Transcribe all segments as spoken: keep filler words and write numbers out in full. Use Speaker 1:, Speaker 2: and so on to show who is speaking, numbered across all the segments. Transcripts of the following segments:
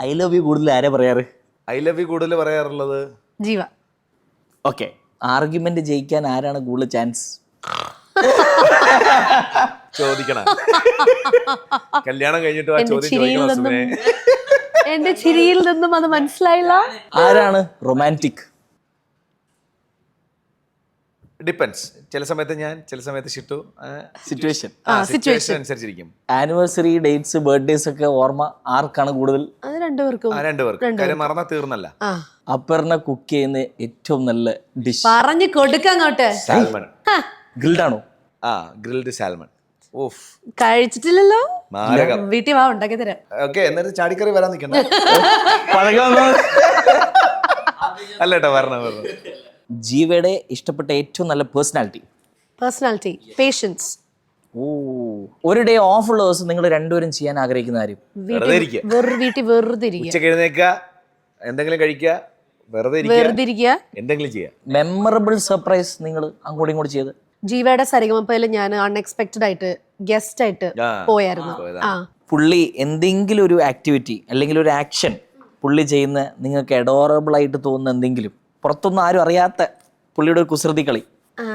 Speaker 1: I love you കൂടുതൽ ആരാ പറയാറ്?
Speaker 2: ഐ ലവ് യു കൂടുതൽ പറയാറുള്ളത്
Speaker 3: ജീവ.
Speaker 1: ഓക്കെ, ആർഗ്യുമെന്റ് ജയിക്കാൻ ആരാണ് കൂടുതൽ ചാൻസ്?
Speaker 2: ചോദിക്കണം. കല്യാണം കഴിഞ്ഞിട്ട് ആ ചോദ്യം ചോദിക്കണം സുമേ.
Speaker 3: എന്റെ ചിരിയിൽ നിന്നും അത് മനസ്സിലായില്ല.
Speaker 1: ആരാണ് റൊമാൻറ്റിക്?
Speaker 2: ഡിപ്പെൻസ്. ചില സമയത്ത് ഞാൻ, ചില സമയത്ത് ഷിട്ടു.
Speaker 1: സിറ്റുവേഷൻ
Speaker 2: സിറ്റുവേഷൻ അനുസരിച്ചിരിക്കും.
Speaker 1: ആനിവേഴ്സറി, ഡേറ്റ്സ്, ബർത്ത്ഡേസ് ഒക്കെ ഓർമ്മ ആർക്കാണ് കൂടുതൽ?
Speaker 3: അത് രണ്ടുപേർക്കും.
Speaker 2: രണ്ടുപേർക്കും. കാര്യം മറന്നാ തീർന്നല്ല.
Speaker 1: അപ്പറിനെ കുക്ക് ചെയ്യുന്ന ഏറ്റവും നല്ല ഡിഷ്
Speaker 3: പറഞ്ഞു കൊടുക്കങ്ങോട്ട്.
Speaker 2: സാൽമൺ.
Speaker 1: ഗ്രിൽഡ് ആണോ?
Speaker 2: ആ, ഗ്രിൽഡ് സാൽമൺ. ഓഫ്,
Speaker 3: കഴിച്ചിട്ടില്ലല്ലോ.
Speaker 2: മാരകം.
Speaker 3: വീട്ടിൽ വാ, ഉണ്ടാക്കി തരാം.
Speaker 2: ഓക്കെ, എന്നിട്ട് ചാടിക്കറി വരാൻ നിൽക്കണ്ട. അല്ല കേട്ടോ, വരണം വരണം.
Speaker 1: ജീവയുടെ ഇഷ്ടപ്പെട്ട ഏറ്റവും നല്ല പേഴ്സണാലിറ്റി?
Speaker 3: Personality, patients.
Speaker 1: ഓ, ഒരു ഡേ ഓഫ് ഉള്ള ദിവസം നിങ്ങൾ രണ്ടുപേരും ചെയ്യാൻ ആഗ്രഹിക്കുന്ന കാര്യം?
Speaker 2: വെറുതെ ഇരിക്കുക.
Speaker 3: വീട്ടിൽ വെറുതെ ഇരിക്കുക.
Speaker 2: ഉച്ചക്ക് എഴുന്നേക്കുക, എന്തെങ്കിലും കഴിക്കുക, വെറുതെ
Speaker 3: വെറുതെ ഇരിക്കുക,
Speaker 2: എന്തെങ്കിലും ചെയ്യുക.
Speaker 1: മെമ്മറബിൾ സർപ്രൈസ് നിങ്ങൾ അങ്ങോട്ടും ഇങ്ങോട്ട് ചെയ്ത്?
Speaker 3: ജീവയുടെ സരിഗമപ്പയിൽ ഞാൻ അൺഎക്സ്പെക്ടഡ് ആയിട്ട് ഗസ്റ്റ് ആയിട്ട് പോയായിരുന്നു. ആ,
Speaker 1: പുള്ളി എന്തെങ്കിലും ഒരു ആക്ടിവിറ്റി അല്ലെങ്കിൽ ഒരു ആക്ഷൻ പുള്ളി ചെയ്യുന്ന നിങ്ങൾക്ക് അഡോറബിൾ ആയിട്ട് തോന്നുന്ന എന്തെങ്കിലും, പുറത്തൊന്നും ആരും അറിയാത്ത പുള്ളിയുടെ ഒരു കുസൃതി കളി?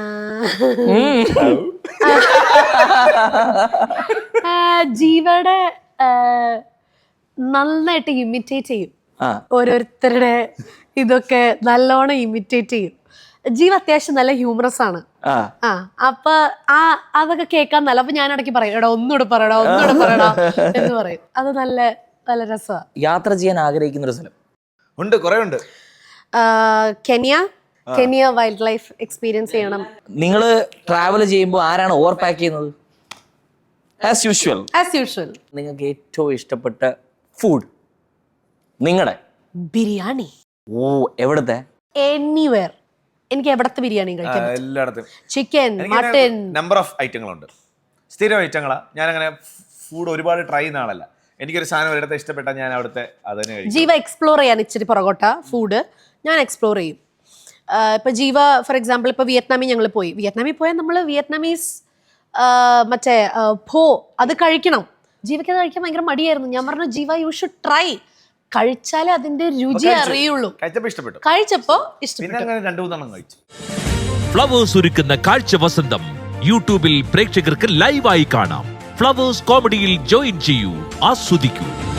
Speaker 3: ജീവയുടെ നന്നായിട്ട് ഇമിറ്റേറ്റ് ചെയ്യും. ഓരോരുത്തരുടെ ഇതൊക്കെ നല്ലോണം ഇമിറ്റേറ്റ് ചെയ്യും. ജീവ അത്യാവശ്യം നല്ല ഹ്യൂമറസ് ആണ്. ആ, അപ്പൊ ആ അതൊക്കെ കേൾക്കാൻ നല്ല. അപ്പൊ ഞാൻ ഇടയ്ക്ക് പറയും, എടാ ഒന്നുകൂടെ പറയടാ, ഒന്നുകൂടെ പറയടാ എന്ന് പറയും. അത് നല്ല നല്ല രസമാണ്.
Speaker 1: യാത്ര ചെയ്യാൻ ആഗ്രഹിക്കുന്ന ഒരു സ്ഥലം?
Speaker 2: ഉണ്ട്, കുറെ ഉണ്ട്.
Speaker 3: Kenya. Kenya wildlife experience ചെയ്യണം.
Speaker 1: നിങ്ങൾ ട്രാവൽ ചെയ്യുമ്പോൾ ആരാണ് ഓവർ പാക്ക് ചെയ്യുന്നത്? As usual.
Speaker 3: As usual.
Speaker 1: നിങ്ങൾക്ക് ഏറ്റവും ഇഷ്ടപ്പെട്ട ഫുഡ് നിങ്ങളുടെ?
Speaker 3: ബിരിയാണി.
Speaker 1: ഓ, എവിടത്തെ?
Speaker 3: എനിവേർ. എനിക്ക് എവിടത്തെ ബിരിയാണി കഴിക്കാം.
Speaker 2: എല്ലായിടത്തും.
Speaker 3: ചിക്കൻ, മട്ടൻ,
Speaker 2: നമ്പർ ഓഫ് ഐറ്റങ്ങളുണ്ട്. സ്ഥിരം ഐറ്റങ്ങളാ. ഞാനങ്ങനെ ഫുഡ് ഒരുപാട് ട്രൈ ചെയ്യുന്ന ആളല്ല. എനിക്കൊരു സാധനം ഒരിടത്ത് ഇഷ്ടപ്പെട്ടാൽ ഞാൻ അവിടുത്തെ അതന്നെ കഴിക്കും.
Speaker 3: ജീവ എക്സ്പ്ലോർ ചെയ്യാൻ ഇച്ചിരി പുറകോട്ട ഫുഡ് ഞാൻ എക്സ്പ്ലോർ ചെയ്യും. ഇപ്പൊ ജീവ ഫോർ എക്സാമ്പിൾ ഇപ്പൊ വിയറ്റ്നാമിൽ ഞങ്ങൾ പോയി. വിയറ്റ്നാമിൽ പോയാൽ നമ്മൾ വിയറ്റ്നാമീസ് മറ്റേ ഭോ അത് കഴിക്കണം. ജീവയ്ക്ക് അത് കഴിക്കാൻ ഭയങ്കര മടിയായിരുന്നു. ഞാൻ പറഞ്ഞു, ജീവ യു ഷുഡ് ട്രൈ. കഴിച്ചാലേ അതിന്റെ രുചി അറിയുള്ളൂ.
Speaker 2: കഴിച്ചപ്പോ ഇഷ്ടപ്പെട്ടു.
Speaker 3: കഴിച്ചപ്പോ ഇഷ്ടപ്പെട്ടു.
Speaker 2: പിന്നെ അങ്ങനെ രണ്ടു മൂന്നെണ്ണം കഴിച്ചു.
Speaker 4: ഫ്ലവേഴ്സ് ഒരുക്കുന്ന കാഴ്ച വസന്തം യൂട്യൂബിൽ പ്രേക്ഷകർക്ക് ലൈവായി കാണാം. ഫ്ലവേഴ്സ് കോമഡിയിൽ ജോയിൻ ചെയ്യൂ, ആസ്വദിക്കൂ.